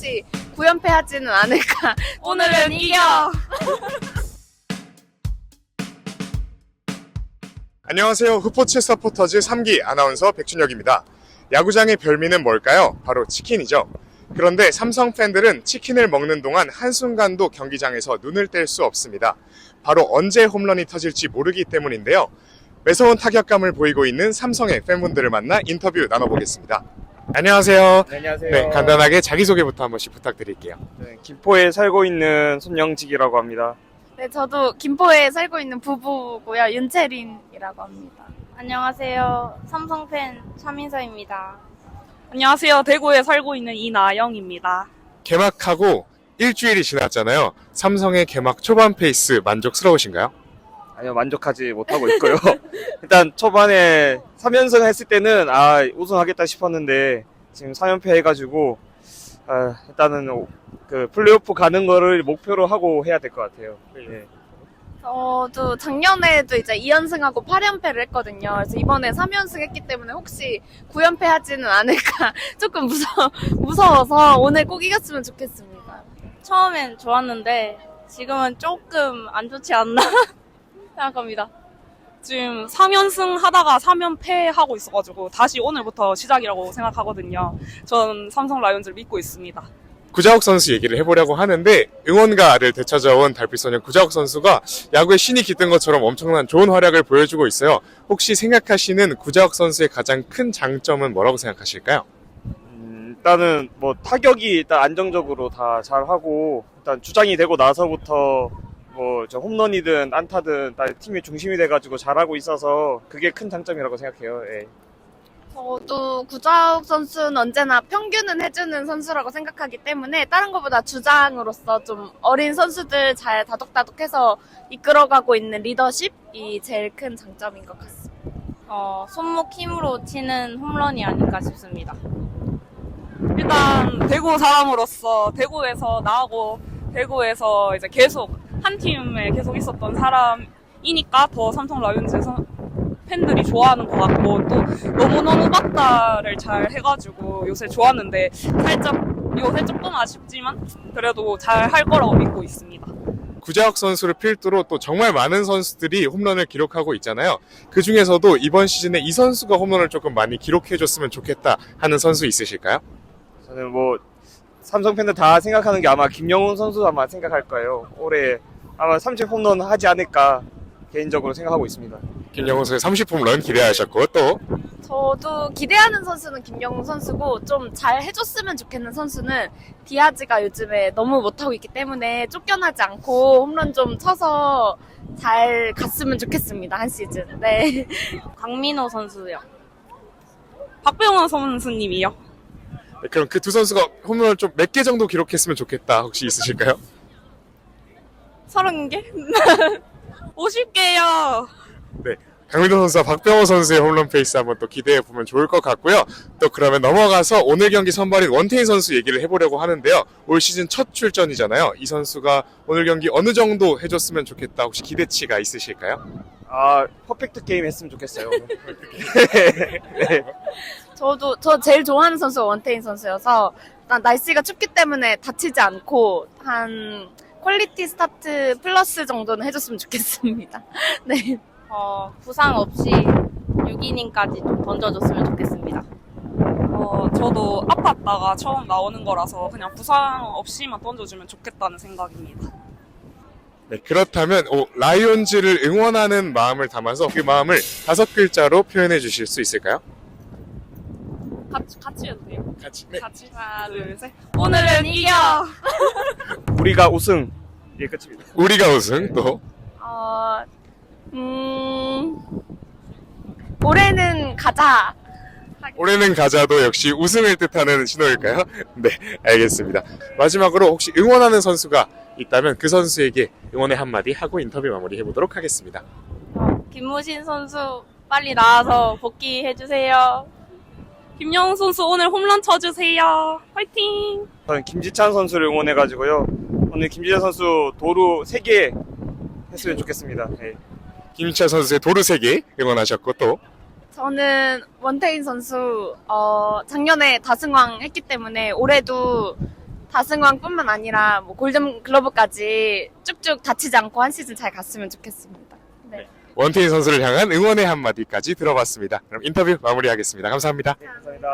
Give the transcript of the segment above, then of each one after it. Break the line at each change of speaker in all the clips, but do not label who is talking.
혹시 9연패 하지는 않을까.
오늘은 이겨!
안녕하세요. 후포츠 서포터즈 3기 아나운서 백준혁입니다. 야구장의 별미는 뭘까요? 바로 치킨이죠. 그런데 삼성 팬들은 치킨을 먹는 동안 한순간도 경기장에서 눈을 뗄 수 없습니다. 바로 언제 홈런이 터질지 모르기 때문인데요. 매서운 타격감을 보이고 있는 삼성의 팬분들을 만나 인터뷰 나눠보겠습니다. 안녕하세요.
네, 안녕하세요.
네, 간단하게 자기소개부터 한 번씩 부탁드릴게요.
네, 김포에 살고 있는 손영직이라고 합니다.
네, 저도 김포에 살고 있는 부부고요. 윤채린이라고 합니다.
안녕하세요. 삼성팬 차민서입니다. 안녕하세요. 대구에 살고 있는 이나영입니다.
개막하고 일주일이 지났잖아요. 삼성의 개막 초반 페이스 만족스러우신가요?
아니요, 만족하지 못하고 있고요. 일단 초반에 3연승 했을 때는 우승하겠다 싶었는데 지금 3연패 해가지고 일단은 그 플레이오프 가는 거를 목표로 하고 해야 될 것 같아요. 네.
저도 작년에도 이제 2연승하고 8연패를 했거든요. 그래서 이번에 3연승 했기 때문에 혹시 9연패 하지는 않을까 조금 무서워서 오늘 꼭 이겼으면 좋겠습니다.
처음엔 좋았는데 지금은 조금 안 좋지 않나 생각합니다. 지금 3연승 하다가 3연패 하고 있어가지고 다시 오늘부터 시작이라고 생각하거든요. 전 삼성 라이온즈를 믿고 있습니다.
구자욱 선수 얘기를 해보려고 하는데 응원가를 되찾아온 달빛소년 구자욱 선수가 야구의 신이 깃든 것처럼 엄청난 좋은 활약을 보여주고 있어요. 혹시 생각하시는 구자욱 선수의 가장 큰 장점은 뭐라고 생각하실까요?
일단은 뭐 타격이 일단 안정적으로 다 잘하고 일단 주장이 되고 나서부터 뭐 저 홈런이든 안타든 다 팀의 중심이 돼가지고 잘하고 있어서 그게 큰 장점이라고 생각해요. 예.
저도 구자욱 선수는 언제나 평균은 해주는 선수라고 생각하기 때문에 다른 것보다 주장으로서 좀 어린 선수들 잘 다독다독해서 이끌어가고 있는 리더십이 제일 큰 장점인 것 같습니다.
손목 힘으로 치는 홈런이 아닐까 싶습니다. 일단 대구 사람으로서 대구에서 나오고 대구에서 이제 계속 한 팀에 계속 있었던 사람이니까 더 삼성 라이온즈에서 팬들이 좋아하는 것 같고 또 너무너무 박다를 잘 해가지고 요새 좋았는데 요새 조금 아쉽지만 그래도 잘 할 거라고 믿고 있습니다.
구자욱 선수를 필두로 또 정말 많은 선수들이 홈런을 기록하고 있잖아요. 그 중에서도 이번 시즌에 이 선수가 홈런을 조금 많이 기록해줬으면 좋겠다 하는 선수 있으실까요?
저는 뭐 삼성 팬들 다 생각하는 게 아마 김영훈 선수 아마 생각할 거예요. 올해 아마 30 홈런 하지 않을까 개인적으로 생각하고 있습니다.
김영훈 선수의 30홈런 기대하셨고 또
저도 기대하는 선수는 김영웅 선수고 좀 잘 해줬으면 좋겠는 선수는 디아즈가 요즘에 너무 못하고 있기 때문에 쫓겨나지 않고 홈런 좀 쳐서 잘 갔으면 좋겠습니다. 한 시즌. 네.
강민호 선수요. 박병호 선수님이요.
네, 그럼 그 두 선수가 홈런을 좀 몇 개 정도 기록했으면 좋겠다 혹시 있으실까요?
30개? 50개요.
네, 강민호 선수와 박병호 선수의 홈런 페이스 한번 또 기대해 보면 좋을 것 같고요. 또 그러면 넘어가서 오늘 경기 선발인 원태인 선수 얘기를 해보려고 하는데요. 올 시즌 첫 출전이잖아요. 이 선수가 오늘 경기 어느 정도 해줬으면 좋겠다 혹시 기대치가 있으실까요?
퍼펙트 게임 했으면 좋겠어요. 네.
저 제일 좋아하는 선수가 원태인 선수여서 일단 날씨가 춥기 때문에 다치지 않고 한 퀄리티 스타트 플러스 정도는 해줬으면 좋겠습니다. 네.
부상 없이 6이닝까지 좀 던져줬으면 좋겠습니다. 저도 아팠다가 처음 나오는 거라서 그냥 부상 없이만 던져주면 좋겠다는 생각입니다.
네, 그렇다면 라이온즈를 응원하는 마음을 담아서 그 마음을 5글자로 표현해 주실 수 있을까요?
같이 해도 돼요?
같이. 네.
같이 하나 둘 셋. 오늘은 이겨!
우리가 우승. 예, 끝입니다.
우리가 우승 또
올해는 가자.
올해는 가자도 역시 우승을 뜻하는 신호일까요? 네, 알겠습니다. 마지막으로 혹시 응원하는 선수가 있다면 그 선수에게 응원의 한마디 하고 인터뷰 마무리 해보도록 하겠습니다.
김무신 선수 빨리 나와서 복귀해주세요. 김영훈 선수 오늘 홈런 쳐주세요. 화이팅!
저는 김지찬 선수를 응원해가지고요. 오늘 김지찬 선수 도루 3개 했으면 좋겠습니다. 네.
김희철 선수의 도루 3개 응원하셨고 또
저는 원태인 선수 작년에 다승왕 했기 때문에 올해도 다승왕뿐만 아니라 뭐 골든 글러브까지 쭉쭉 다치지 않고 한 시즌 잘 갔으면 좋겠습니다. 네.
원태인 선수를 향한 응원의 한마디까지 들어봤습니다. 그럼 인터뷰 마무리하겠습니다. 감사합니다.
감사합니다.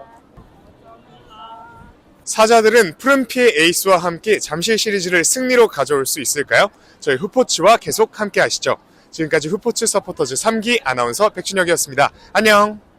사자들은 푸른피의 에이스와 함께 잠실 시리즈를 승리로 가져올 수 있을까요? 저희 후포츠와 계속 함께 하시죠. 지금까지 후포츠 서포터즈 3기 아나운서 백준혁이었습니다. 안녕!